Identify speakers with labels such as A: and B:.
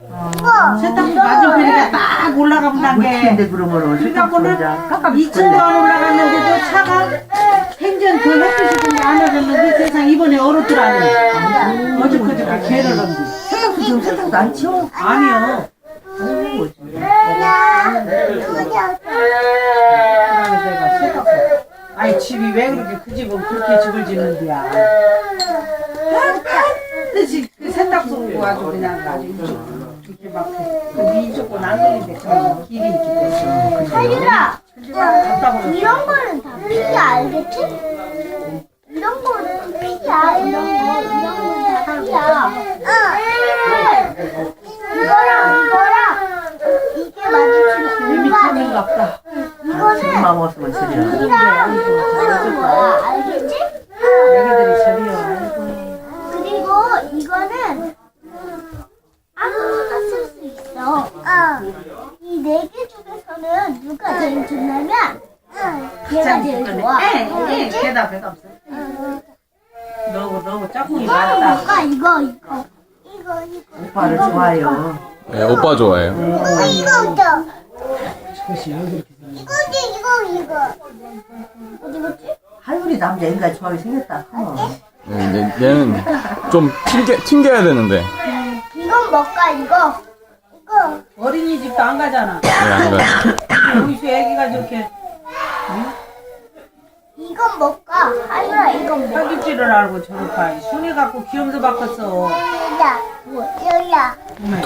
A: 세탁기 맞은편에 딱 올라가면 단계.
B: 근데 그러면은
A: 그래갖고는
B: 깜깜
A: 2층도 안 올라갔는데도 차가 행전 그 햇빛이 좀 안 와줬는데 세상 이번에 얼었더라니. 어저께 개를 넣는데.
B: 세탁도 지금 세탁도 안 치워?
A: 아니요. 그래서 내가 세탁소. 아니 집이 왜 그렇게 그 집은 그렇게 집을 짓는데야. 반드시 그 세탁소 가지고 그냥 아주 이렇게 막 이쪽고 난동인데 그런 길이 있기 때문에.
C: 하율아,
A: 갔다 보면
C: 이런 거는 다 피기 알겠지? 이런 거는 피기야. 이런 거는 다 피야. 이거랑 이게 마주치는
A: 이미 찾는가 보다.
B: 지금 맘 없으면 저리야.
C: 피랑 이거는 거야. 알겠지?
A: 애기들이 저리요.
C: 그리고 이거는 아무거나 쓸 수 있어. 이 네 개 중에서는 누가 제일 좋냐면 얘가 제일 좋아. 알겠지?
A: 대답 없어. 너무 짝꿍이
C: 이거는
A: 많다.
C: 뭘까? 이거.
B: 오빠를 좋아해요.
D: 네, 오빠 좋아해요.
C: 이거부터.
A: 그것이 왜 그렇게 생겼어?
C: 이거. 어디 갔지?
B: 하율이 남자 인간 좋아하게 생겼다.
D: 네, 얘는 좀 튕겨야 되는데.
C: 이건 뭘까? 이거.
A: 어린이집도 안 가잖아.
D: 네, 안 가요.
A: 여기서 애기가 저렇게
C: 이건 뭘까? 하율아, 이건 뭐야?
A: 사귀지를 알고 저렇게 순이 갖고 귀염도 바꿨어.
C: 여기야.